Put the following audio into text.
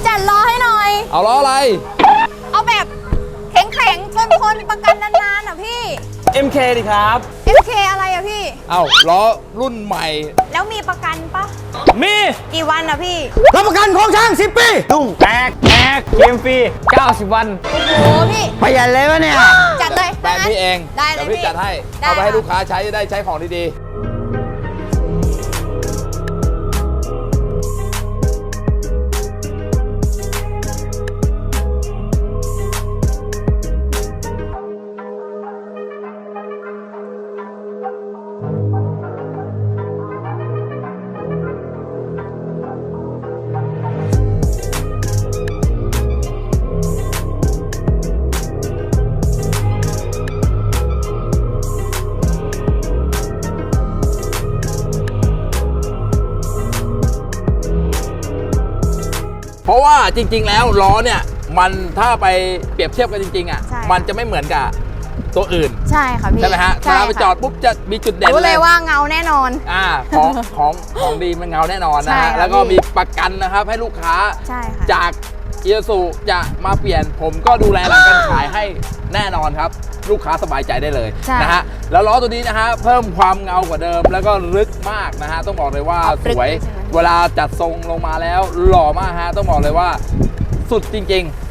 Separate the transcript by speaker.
Speaker 1: จัดล้อให้หน่อย
Speaker 2: เอาล้ออะไร
Speaker 1: เอาแบบแข็งๆทนประกันนานๆอ่ะพี่
Speaker 3: MK ดิครับ
Speaker 1: MK อะไรอ่ะพี่
Speaker 2: เอาล้อรุ่นใหม่
Speaker 1: แล้วมีประกันปะ
Speaker 3: มี
Speaker 1: กี่วันอ่ะพี่
Speaker 4: รับประกันของช่าง10 ปีตุ้ง
Speaker 3: แตกเกมฟรี 90 วัน
Speaker 1: โอ้โหพี่
Speaker 4: ประหยัดเลยวะเนี่ย
Speaker 1: จัดเลย
Speaker 2: แบรนด์พี่เอง
Speaker 1: ได้เลย
Speaker 2: เดี๋ยวพี่
Speaker 1: พี่
Speaker 2: จัดให้
Speaker 1: ได้
Speaker 2: เอาไปให้
Speaker 1: ค่ะ
Speaker 2: ลูกค้าใช้ได้ใช้ของดีๆ เพราะว่าจริงๆแล้วล้อเนี่ยมันถ้าไปเปรียบเทียบกันจริงๆอ่ะ
Speaker 1: ใช่
Speaker 2: มันจะไม่เหมือนกับตัวอื่น
Speaker 1: ใช่ค่ะพี่
Speaker 2: ใช่ไหมฮะ
Speaker 1: ใช่
Speaker 2: ถ้าไปจอดปุ๊บจะมีจุดเด่น
Speaker 1: รู้เลยว่าเงาแน่นอน
Speaker 2: ของดีมันเงาแน่นอนนะ
Speaker 1: ใช่
Speaker 2: ฮะ
Speaker 1: ค่ะ
Speaker 2: แล้วก็
Speaker 1: พี่
Speaker 2: มีประกันนะครับให้ลูกค้า
Speaker 1: ใช่ค่ะ
Speaker 2: จากเอียสุจะมาเปลี่ยนผมก็ดูแลหลังการขายให้แน่นอนครับ ลูกค้าสบายใจได้เลย
Speaker 1: ใช่
Speaker 2: นะฮะแล้วล้อตัวนี้นะฮะเพิ่มความเงากว่าเดิมแล้วก็ลึกมากนะฮะต้องบอกเลยว่า
Speaker 1: เอา
Speaker 2: สวย
Speaker 1: ลึกเลยใช่ไหม
Speaker 2: เวลาจัดทรงลงมาแล้วหล่อมากฮะต้องบอกเลยว่าสุดจริง ๆ